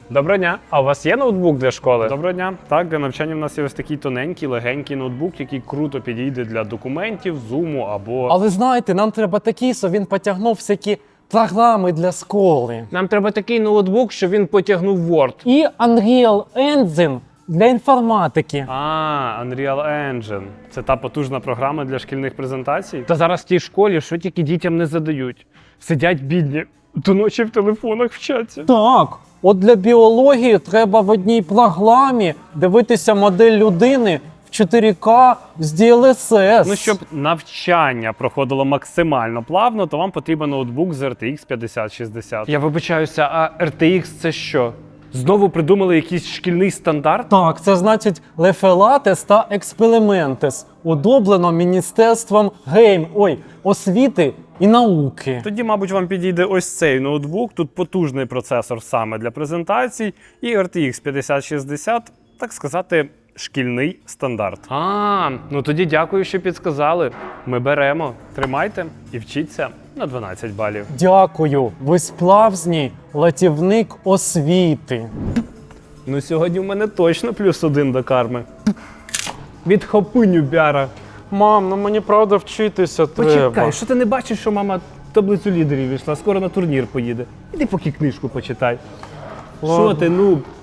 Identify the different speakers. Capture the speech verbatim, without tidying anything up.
Speaker 1: Доброго дня. А у вас є ноутбук для школи? Доброго дня. Так, для навчання в нас є ось такий тоненький, легенький ноутбук, який круто підійде для документів, зуму або...
Speaker 2: Але знаєте, нам треба такий, щоб він потягнув всякі програми для школи.
Speaker 1: Нам треба такий ноутбук, щоб він потягнув Word.
Speaker 2: І Unreal Engine для інформатики.
Speaker 1: А, Unreal Engine. Це та потужна програма для шкільних презентацій? Та зараз в тій школі, що тільки дітям не задають. Сидять бідні, до ночі в телефонах вчаться.
Speaker 2: Так, от для біології треба в одній програмі дивитися модель людини в чотири ка з ді ел ес ес.
Speaker 1: Ну, щоб навчання проходило максимально плавно, то вам потрібен ноутбук з ар ти ікс п'ятдесят шістдесят. Я вибачаюся, а ар ти ікс це що? Знову придумали якийсь шкільний стандарт?
Speaker 2: Так, це значить Лефелатес та Експериментес, удоблено Міністерством гейм, ой, освіти і науки.
Speaker 1: Тоді, мабуть, вам підійде ось цей ноутбук. Тут потужний процесор саме для презентацій. І ар ти ікс п'ятдесят шістдесят, так сказати, шкільний стандарт. А, ну тоді дякую, що підсказали. Ми беремо. Тримайте і вчіться на дванадцять балів.
Speaker 2: Дякую, ви справжній латівник освіти.
Speaker 1: Ну сьогодні в мене точно плюс один до карми. Відхопи, нюбяра.
Speaker 2: Мам, ну мені правда вчитися треба.
Speaker 1: Почекай, що ти не бачиш, що мама таблицю лідерів війшла, скоро на турнір поїде. Іди поки книжку почитай.
Speaker 2: Ладно.
Speaker 1: Що ти, ну,